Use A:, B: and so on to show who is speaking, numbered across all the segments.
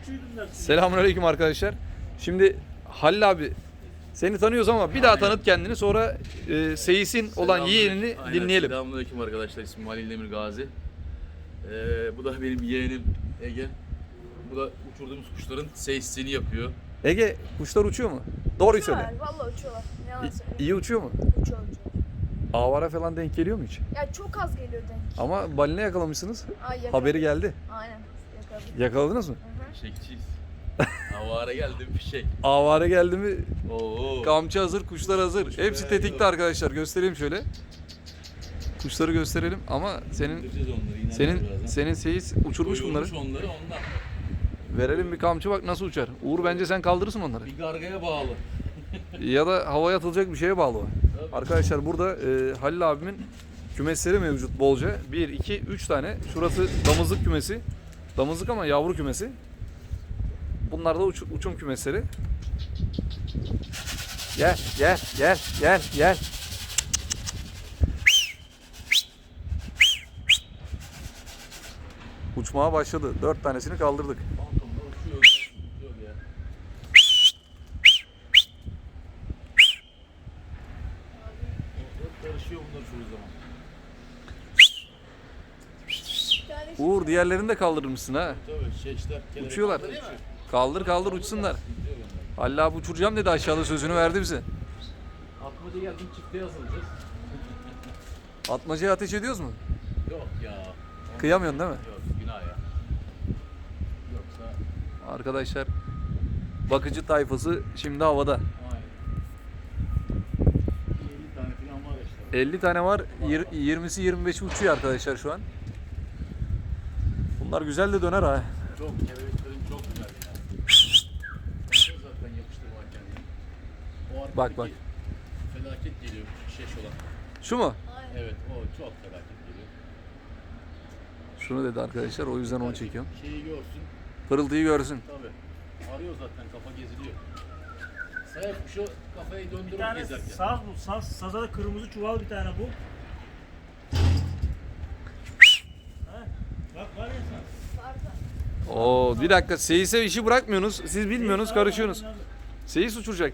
A: Selamünaleyküm arkadaşlar. Şimdi Halil abi seni tanıyoruz ama bir daha tanıt kendini, sonra Seyis'in olan yeğenini dinleyelim.
B: Selamünaleyküm arkadaşlar. İsmim Halil Demir Gazi. Bu da benim yeğenim Ege. Bu da uçurduğumuz kuşların seyisini yapıyor.
A: Ege, kuşlar uçuyor mu? Doğruyu
C: Uçuyorlar,
A: söyle.
C: vallahi uçuyorlar. Yalan söylüyorum.
A: İyi uçuyor mu?
C: Uçuyor.
A: Avara falan denk geliyor mu hiç?
C: Ya çok az geliyor denk.
A: Ama balina yakalamışsınız.
C: Ay, yakaladım.
A: Haberi geldi.
C: Aynen. Yakaladım.
A: Yakaladınız mı?
B: Fişekçiyiz. Avara geldim fişek.
A: Avara geldi mi?
B: Oo.
A: Kamçı hazır, kuşlar hazır. Hepsi tetikte arkadaşlar. Göstereyim şöyle. Kuşları gösterelim ama
B: İndireceğiz onları, inanmıyorum birazdan.
A: senin Seyis uçurmuş bunları.
B: Doyurmuş onları ondan.
A: Verelim bir kamçı, bak nasıl uçar. Uğur, bence sen kaldırırsın onları.
B: Bir gargaya bağlı.
A: Ya da havaya atılacak bir şeye bağlı o.
B: Tabii.
A: Arkadaşlar burada Halil abimin kümesleri mevcut bolca. 1, 2, 3 tane. Şurası damızlık kümesi. Damızlık ama yavru kümesi. Bunlar da uçum kümesleri. Gel, gel, gel, gel, gel. Uçmaya başladı. 4 tanesini kaldırdık.
B: Balkonda uçuyor. Uçuyor ya. Karışıyor bunlar çoğu zaman.
C: Bir tane
A: Uğur, diğerlerini de kaldırmışsın ha.
B: Tabii şeşler.
A: Uçuyorlar. Kaldır kaldır uçsunlar. Halil abi uçuracağım dedi, aşağıda sözünü verdi bize.
B: Atmaca geldim, çiftliğe asılacağız.
A: Atmacaya ateş ediyoruz mu?
B: Yok ya.
A: Kıyamıyorsun değil mi?
B: Yok, günah ya. Yoksa
A: Arkadaşlar, bakıcı tayfası şimdi havada.
B: aynen. 50 tane falan var işte.
A: 50 tane var. 20'si 25'i uçuyor arkadaşlar şu an. Bunlar güzel de döner ha.
B: Çok, kelebeklerim çok güzel ya. Ben zaten yapıştırma kendini. O arkadaki
A: Bak, bak.
B: felaket geliyor, şeş olan.
A: Şu mu?
B: Evet, o çok felaket geliyor.
A: Şunu dedi arkadaşlar, o yüzden onu çekiyorum.
B: Şeyi görsün,
A: Pırıltıyı görsün.
B: tabii. Arıyor zaten, kafa geziliyor. Sayıp şu kafayı
D: Bir
B: döndürüp
D: tane
B: gezerken.
D: saz bu. Saza da kırmızı çuval bir tane bu. Ha, bak var ya saz.
A: Oo, bir dakika, Seyis'e işi bırakmıyorsunuz. Siz bilmiyorsunuz, karışıyorsunuz. Seyis uçuracak.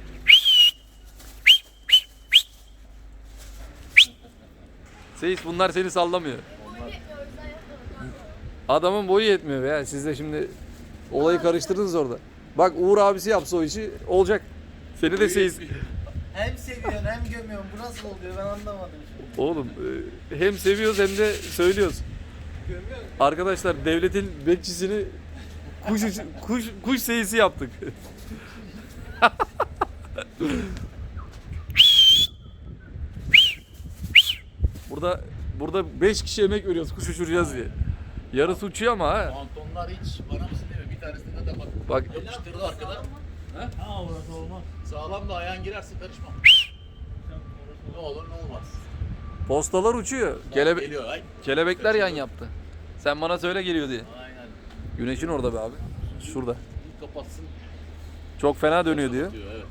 A: Seyis, bunlar seni sallamıyor.
C: boyu yetmiyor, o yüzden yapmadım.
A: Adamın boyu yetmiyor ya. Siz de şimdi olayı karıştırdınız orada. Bak, Uğur abisi yapsa o işi olacak. Seni de Seyis...
E: Hem seviyorsun hem gömüyorsun. Bu nasıl oluyor ben anlamadım şimdi.
A: Oğlum, hem seviyoruz hem de söylüyoruz.
E: Gömüyorsun.
A: Arkadaşlar, devletin bekçisini kuş seyisi yaptık. Burada 5 kişi emek veriyoruz kuş uçuracağız diye. Yarısı uçuyor ama ha.
B: Pantolonlar hiç bana mısın demiyor. Bir tanesinde de bak.
A: Bak.
B: Yapıştırdı arkadan.
D: Ha orası olmaz.
B: Sağlam da ayağın girerse karışmam. Ne olur ne olmaz.
A: Postalar uçuyor.
B: Geliyor ay.
A: Kelebekler yan yaptı. Sen bana söyle geliyor diye.
B: Aynen.
A: Güneşin orada be abi. Şurada.
B: Bir kapatsın.
A: Çok fena dönüyor diyor.
B: Evet.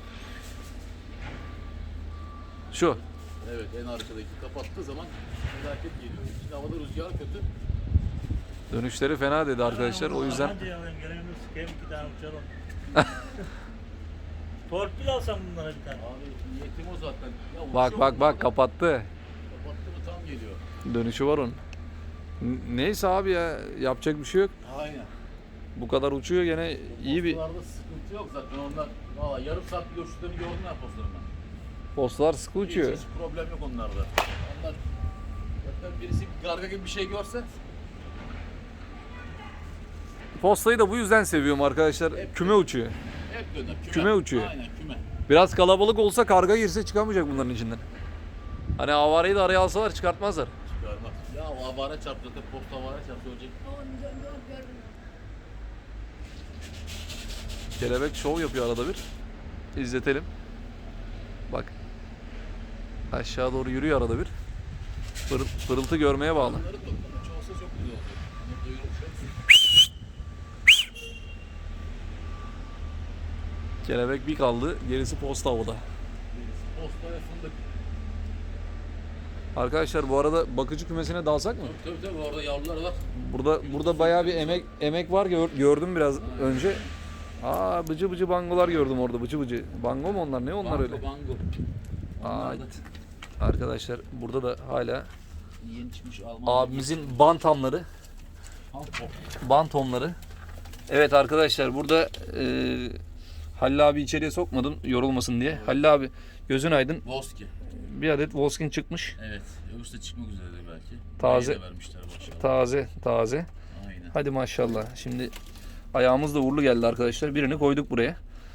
A: Şu.
B: Evet, en arkadaki kapattığı zaman felaket geliyor. Şimdi havada rüzgar kötü.
A: Dönüşleri fena dedi arkadaşlar. O yüzden
D: Anca alayım gelelim sıkayım 2 tane uçalım. Torpil alsam bunlara bir tane.
B: Abi niyetim o zaten. Ya
A: bak
B: uçuyor
A: bak
B: bunlar
A: bak
B: da.
A: kapattı.
B: Kapattı mı tam geliyor.
A: Dönüşü var onun. Neyse abi ya, yapacak bir şey yok.
B: Aynen.
A: Bu kadar uçuyor, gene iyi bir
B: Postalarda sıkıntı yok zaten onlar. Valla yarım saat bir uçtuklarını gördüm ben postalarından.
A: postalar sıkı uçuyor.
B: Hiç problem yok onlarda. Onlar zaten birisi bir garga gibi bir şey görse
A: Postayı da bu yüzden seviyorum arkadaşlar.
B: Hep
A: Küme uçuyor.
B: hep döner.
A: Küme uçuyor.
B: Aynen küme.
A: Biraz kalabalık olsa karga girse çıkamayacak bunların içinden. Hani avareyi de araya alsalar çıkartmazlar.
B: Çıkarmaz. Ya o avara çarptı zaten posta avara çarptı ölecek.
C: Gördüm.
A: Kelebek şov yapıyor arada bir. İzletelim. Bak. Aşağı doğru yürüyor arada bir. Pırıltı görmeye bağlı.
B: Bunları toplama çoğalsa çok güzel oluyor. Bunları doyurursa.
A: Kelebek bir kaldı. Gerisi posta havada.
B: Posta ve fındık.
A: Arkadaşlar bu arada bakıcı kümesine dalsak mı?
B: Tabii orada yavrular var.
A: Burada bayağı bir emek var, gördüm biraz önce. Aa, bıcı bangolar gördüm orada, bıcı. Bango mu onlar? Ne onlar öyle?
B: Bango.
A: Aa, arkadaşlar burada da hala
B: Yeni çıkmış Alman.
A: abimizin bantamları, bantomları. Evet arkadaşlar burada Halil abi içeriye sokmadım yorulmasın diye. Halil abi gözün aydın.
B: Voski.
A: Bir adet Volskin çıkmış.
B: Evet. Öbürsü de çıkmak üzeredir belki.
A: Taze.
B: Yeni de vermişler maşallah.
A: Taze.
B: Aynen.
A: Hadi maşallah. Şimdi ayağımız da uğurlu geldi arkadaşlar. Birini koyduk buraya.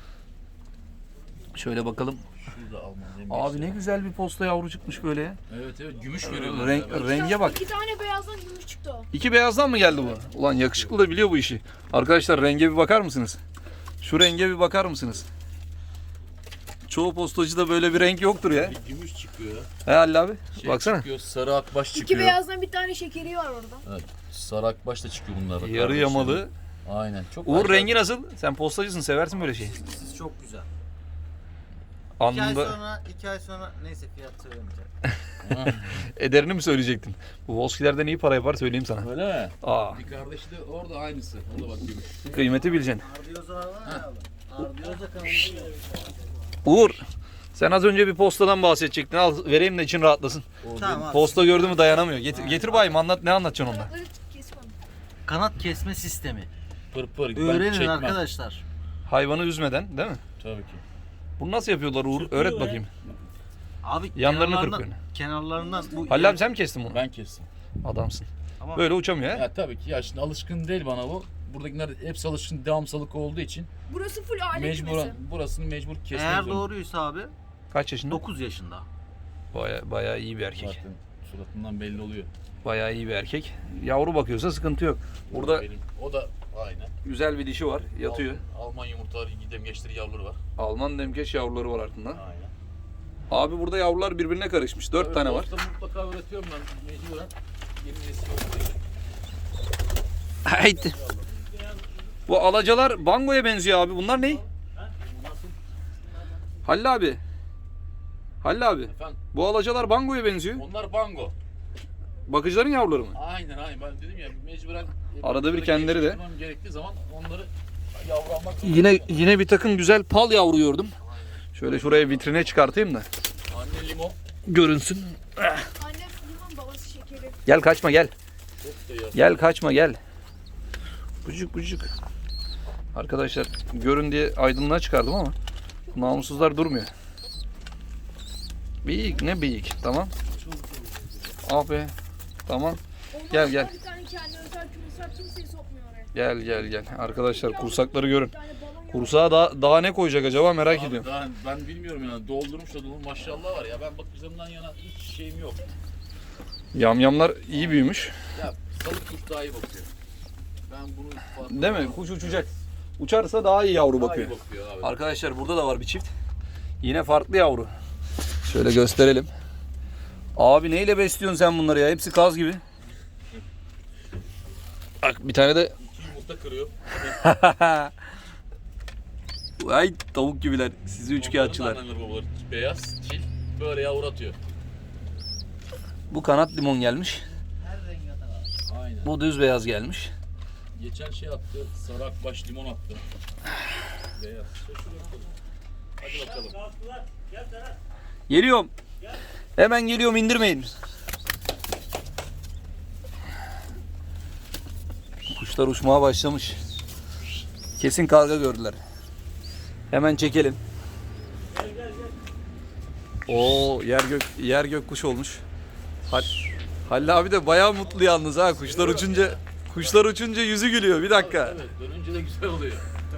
A: Şöyle bakalım.
B: Şurada Alman.
A: Abi ne güzel bir posta yavru çıkmış böyle ya.
B: Evet gümüş veriyorlar.
A: Renge bak.
C: 2 tane beyazdan gümüş çıktı o.
A: 2 beyazdan mı geldi bu? Ulan yakışıklı da biliyor bu işi. Arkadaşlar renge bir bakar mısınız? Şu renge bir bakar mısınız? Çoğu postacıda böyle bir renk yoktur ya.
B: Bir gümüş çıkıyor.
A: He Halil abi? Baksana.
B: Çıkıyor, sarı akbaş
C: 2
B: çıkıyor.
C: beyazdan bir tane şekeri var orada.
B: Evet, sarı akbaş da çıkıyor bunlar. Bak,
A: Yarı
B: kardeşlerim.
A: yamalı.
B: Aynen. Çok
A: Uğur
B: acayip.
A: rengi nasıl? Sen postacısın, seversin böyle şeyi.
E: Siz çok güzel. 2 ay
A: Anında
E: sonra neyse fiyat söylemeyeceğim.
A: ederini mi söyleyecektin? Bu Volskilerden iyi para yapar söyleyeyim sana.
B: Öyle mi?
A: Aa,
B: Bir kardeşi de orada aynısı. O da bak gümüş.
A: kıymeti bileceksin.
E: Ardiyoza var ya abi. Ardiyoza kanalında.
A: Uğur, sen az önce bir postadan bahsedecektin. Al vereyim de için rahatlasın.
E: Tamam abi.
A: Posta gördü mü dayanamıyor. Getir bayım anlat, ne anlatacaksın onda?
C: Kanatları kesme onu.
E: Kanat kesme sistemi.
B: Pır. Ben
E: Öğrenin
B: çekmem.
E: arkadaşlar.
A: Hayvanı üzmeden değil mi?
B: Tabii ki.
A: Bunu nasıl yapıyorlar Uğur? Öğret bakayım.
E: Abi
A: Yanlarını
E: kenarlarından bu
A: Halil abi sen mi kestin bunu?
B: Ben kestim.
A: Adamsın.
E: Ama
A: Böyle uçamıyor ha?
B: Ya tabii ki ya şimdi alışkın değil bana bu. Buradakiler hepsi alışkın devamsılık olduğu için
C: Burası full aile
B: mecburen
C: kümesi.
B: burasını mecbur kesmek
E: eğer
B: zorunda.
E: doğruysa abi
A: Kaç yaşında?
E: 9 yaşında.
A: Bayağı iyi bir erkek.
B: Zaten suratından belli oluyor.
A: Bayağı iyi bir erkek. Yavru bakıyorsa sıkıntı yok. Burada
B: O da aynen.
A: güzel bir dişi var. Yatıyor.
B: Alman yumurtaları, demgeçleri yavruları var.
A: Alman demkeş yavruları var altında.
B: Aynen.
A: Abi burada yavrular birbirine karışmış. 4 tane var.
B: Mutlaka üretiyorum ben mecburen. Yeni nesil olduğu için.
A: Haydi. Bu alacalar bangoya benziyor abi. Bunlar ne? Halil abi. Halil abi.
B: Efendim
A: Bu alacalar bangoya benziyor.
B: onlar bango.
A: Bakıcıların yavruları mı?
B: Aynen ben dedim ya mecburen.
A: Arada bir kendileri de.
B: geliştirmem gerektiği zaman onları yavru almak zorunda.
A: Yine bir takım güzel pal yavru gördüm. Şöyle şuraya vitrine çıkartayım da
B: Anne limon.
A: görünsün.
C: Anne limon babası şekeri.
A: Gel kaçma gel.
B: Çok da ya.
A: Gel kaçma gel. Bucuk. Arkadaşlar görün diye aydınlığa çıkardım ama namussuzlar durmuyor. Büyük ne büyük tamam. Abi tamam.
C: Ondan
A: Gel,
C: sonra
A: gel.
C: Bir tane kendi özel kümesi var, kimseyi sokmuyor oraya.
A: Gel. Arkadaşlar kursakları görün.
C: Bir tane balon yavru.
A: Kursağa daha ne koyacak acaba merak
B: Abi
A: ediyorum.
B: daha ben bilmiyorum yani doldurmuş da dolu maşallah var ya ben bakıcılarımdan yana hiç şeyim yok.
A: Yamyamlar iyi büyümüş.
B: Ya salık kuş daha iyi bakıyor. Ben bunu farkında
A: Değil mi?
B: değilim.
A: Kuş uçacak. Uçarsa daha iyi yavru
B: Daha
A: bakıyor.
B: iyi bakıyor abi.
A: Arkadaşlar burada da var bir çift. Yine farklı yavru. Şöyle gösterelim. Abi neyle besliyorsun sen bunları ya? Hepsi kaz gibi. Bak bir tane de
B: İki yumurta kırıyor.
A: ay tavuk gibiler. Sizi üçkağıtçılar.
B: Onların da anneleri babaları beyaz, çil böyle yavru atıyor.
A: Bu kanat limon gelmiş.
E: Her rengi atar abi.
B: Aynen.
A: Bu düz beyaz gelmiş.
B: Geçen şey attı, sarı akbaş limon attı. Beyaz. Şöyle bakalım. Hadi bakalım.
D: Kalktılar. Gel Serhat.
A: Geliyorum. Hemen geliyorum indirmeyin. Kuşlar uçmaya başlamış. Kesin karga gördüler. Hemen çekelim. Oo yer gök kuş olmuş. Halil abi de bayağı mutlu yalnız ha kuşlar uçunca yüzü gülüyor. Bir dakika.
B: Evet, dönünce de güzel oluyor.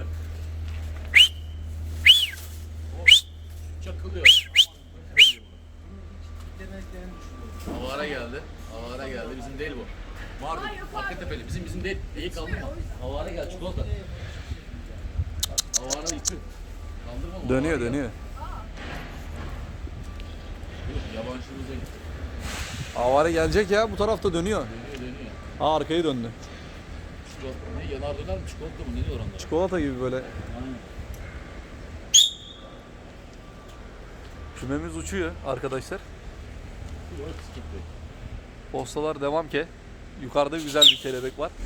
B: Çakılıyor.
E: Demeklerini düşünüyorum.
B: Havara geldi. Bizim değil bu. Mardin, Hakkatepeli. Bizim değil. İyi kaldı mı? Havara gel, çikolata. Havara gitti. Kaldırma mı?
A: Dönüyor.
B: Yok, yabancımıza gitti.
A: Avare gelecek ya bu tarafta dönüyor.
B: Dönüyor.
A: Ha arkayı döndü.
B: Çikolata ne? Yanar döner mi? Çikolata mı? Ne diyor onlar?
A: Çikolata gibi böyle.
B: Aynen.
A: Kümemiz uçuyor arkadaşlar.
B: Yok sıkıntı yok.
A: Postalar devam ki. Yukarıda güzel bir kelebek var.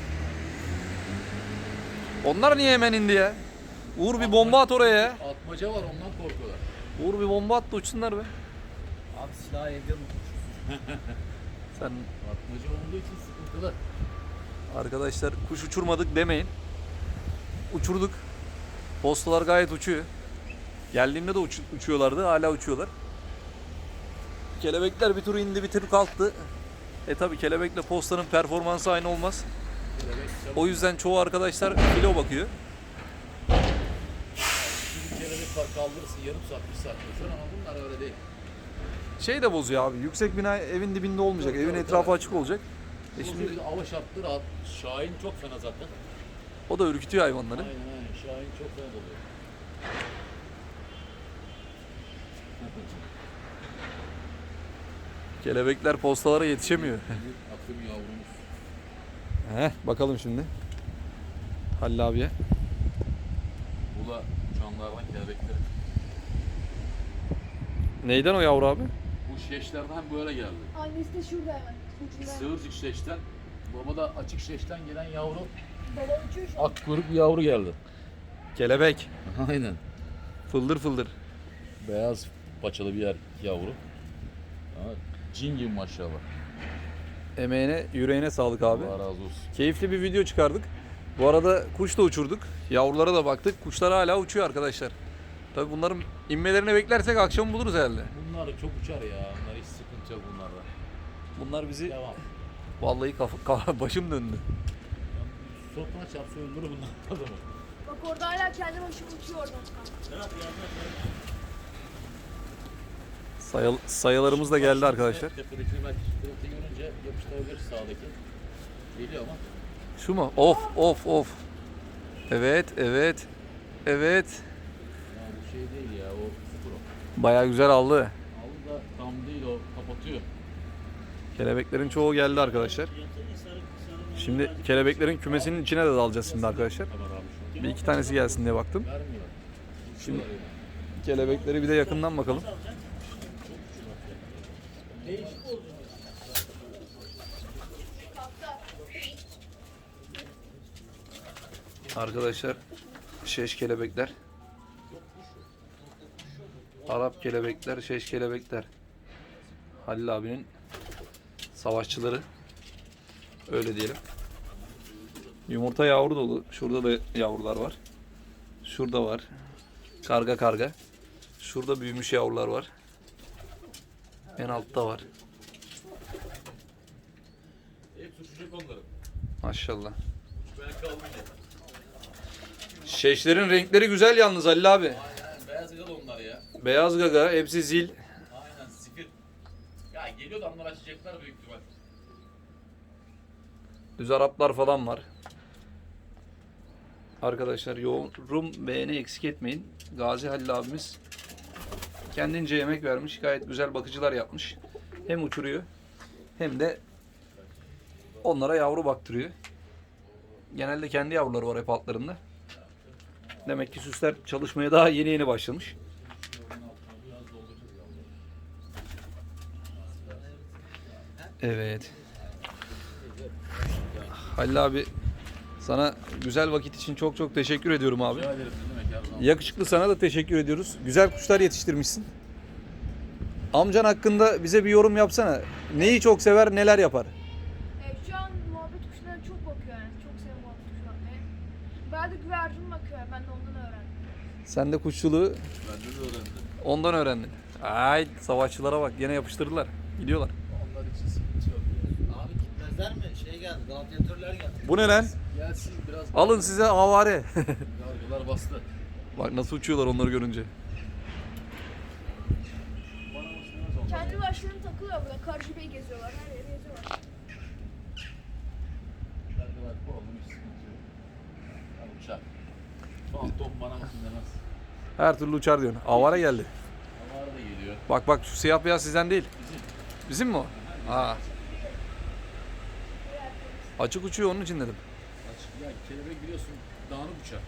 A: Onlar niye hemen indi ya? Uğur bir bomba at oraya ya.
B: Atmaca var ondan korkuyorlar.
A: Uğur bir bomba at da uçsunlar be.
E: Abi silahı evde unutmuşuz.
A: Sen
B: Atmaca olduğu için sıkıntılı.
A: arkadaşlar kuş uçurmadık demeyin. Uçurduk. Postalar gayet uçuyor. Geldiğimde de uçuyorlardı. Hala uçuyorlar. Kelebekler bir tur indi bir tur kalktı. Tabi kelebekle postanın performansı aynı olmaz.
B: Kelebek çabuk.
A: O yüzden çoğu arkadaşlar kilo bakıyor.
B: Bir kelebek var kaldırırsın yarım saat, bir saat mesela ama bunlar öyle değil.
A: Şey de bozuyor abi. Yüksek bina evin dibinde olmayacak.
B: Tabii,
A: Evin
B: tabii,
A: etrafı
B: tabii.
A: açık olacak.
B: Şimdi
A: Şimdi
B: bir de hava şartları rahat. Şahin çok fena zaten.
A: o da ürkütüyor hayvanları.
B: Aynen aynen. Şahin çok fena doluyor.
A: Kelebekler postalara yetişemiyor.
B: Akım yavrumuz.
A: Bakalım şimdi. Halil abiye.
B: Bu da uçanlardan kelebekleri.
A: Neyden o yavru abi?
B: Bu şeşlerden böyle geldi.
C: Annesi de şurada hemen. Ucunda.
B: Sığırcık şeşten. Baba da açık şeşten gelen yavru.
C: Baba uçuyor şu an.
B: Ak kuyruk bir yavru geldi.
A: Kelebek.
B: Aynen.
A: Fıldır fıldır.
B: Beyaz paçalı bir yavru. Ha, cin gibi maşallah.
A: Emeğine, yüreğine sağlık abi.
B: Allah razı olsun.
A: Keyifli bir video çıkardık. Bu arada kuş da uçurduk. Yavrulara da baktık. Kuşlar hala uçuyor arkadaşlar. Tabii bunların inmelerini beklersek akşam buluruz herhalde.
B: Bunlar çok uçar ya. Bunlar hiç sıkıntı yok bunlarda.
A: Bunlar bizi
B: Devam.
A: vallahi başım döndü.
B: Sopuna çarpsa öldürür bunlar adamı.
C: Bak orada hala kendi başına uçuyor oradan.
D: Serhat yanına
A: Sayılarımız da geldi arkadaşlar.
B: Tepedeki merkezi görünce yapıştırabilir sağdaki. Geliyor ama.
A: Şu mu? Of of of. Evet evet. Evet.
B: Ya bu şey değil ya o sıfır o.
A: Bayağı güzel aldı.
B: Aldı da tam değil o kapatıyor.
A: Kelebeklerin çoğu geldi arkadaşlar.
D: yatırın, sarı
A: Şimdi kelebeklerin kümesinin içine de dalacağız şimdi arkadaşlar.
B: Hemen abi şu an.
A: Bir iki tanesi gelsin diye baktım.
B: Vermiyor.
A: Şimdi kelebekleri bir de yakından bakalım.
B: Değişik oldu.
A: Arkadaşlar şeş kelebekler. Arap kelebekler, şeş kelebekler. Halil abinin savaşçıları. Öyle diyelim. Yumurta yavru dolu. Şurada da yavrular var. Şurada var. Karga karga. Şurada büyümüş yavrular var. En altta var.
B: Hep suçacak onları.
A: Maşallah.
B: Ben kalmayacak.
A: Şeşlerin renkleri güzel yalnız Halil abi.
B: Aynen beyaz yıl onlar ya.
A: Beyaz gaga, hepsi zil.
B: Aynen zifir. Ya geliyor da onlar açacaklar büyük ihtimal.
A: Düz Araplar falan var. Arkadaşlar yorum beğeni eksik etmeyin. Gazi Halil abimiz kendince yemek vermiş. Gayet güzel bakıcılar yapmış. Hem uçuruyor hem de onlara yavru baktırıyor. Genelde kendi yavruları var hep altlarında. Demek ki süsler çalışmaya daha yeni yeni başlamış. Evet. Halil abi sana güzel vakit için çok çok teşekkür ediyorum abi.
B: Rica ederim ne demek her zaman.
A: Yakışıklı sana da teşekkür ediyoruz. Güzel kuşlar yetiştirmişsin. Amcan hakkında bize bir yorum yapsana. Neyi çok sever, neler yapar?
C: Şu an muhabbet kuşlarına çok bakıyor yani. Çok seviyor muhabbet kuş bakmayı. Ben de güvercin bakıyor. Ben de ondan öğrendim.
A: Sen de kuşçuluğu
B: Ben de öğrendim.
A: ondan öğrendin. Ay savaşçılara bak gene yapıştırdılar. Gidiyorlar.
B: Onlar için sıkıntı yok.
E: Abi gitmezler mi? Şey geldi, gladyatörler geldi.
A: Bu ne lan?
B: Gelsin biraz.
A: Alın size havare.
B: Yargılar bastı.
A: Bak nasıl uçuyorlar onları görünce.
B: Bana mısınız onlar?
C: Kendi başlarına takılıyor burada. Karşıbeyi geziyorlar. Her yeri geziyorlar.
B: Yargılar bu oğlum hiç sıkıntı yok. Ya uçak. Fantom bana mısın demez.
A: Her türlü uçar diyorsun. Avare geldi.
B: Havalar da geliyor.
A: Bak bak şu siyah beyaz sizden değil. Bizim mi o? Ha. Açık uçuyor onun için dedim.
B: Açık ya kelebek biliyorsun dağınık uçar.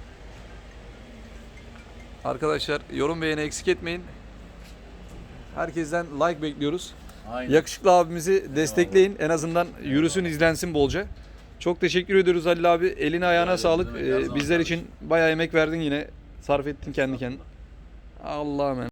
A: Arkadaşlar yorum beğeni eksik etmeyin. Herkesten like bekliyoruz.
B: Aynen.
A: Yakışıklı abimizi destekleyin. En azından yürüsün, izlensin bolca. Çok teşekkür ediyoruz Halil abi. Eline ayağına
B: ederim,
A: sağlık.
B: ne demek, her zaman
A: Bizler
B: kardeşim.
A: için bayağı emek verdin yine. Sarf ettin kendi kendine. Allah'ım.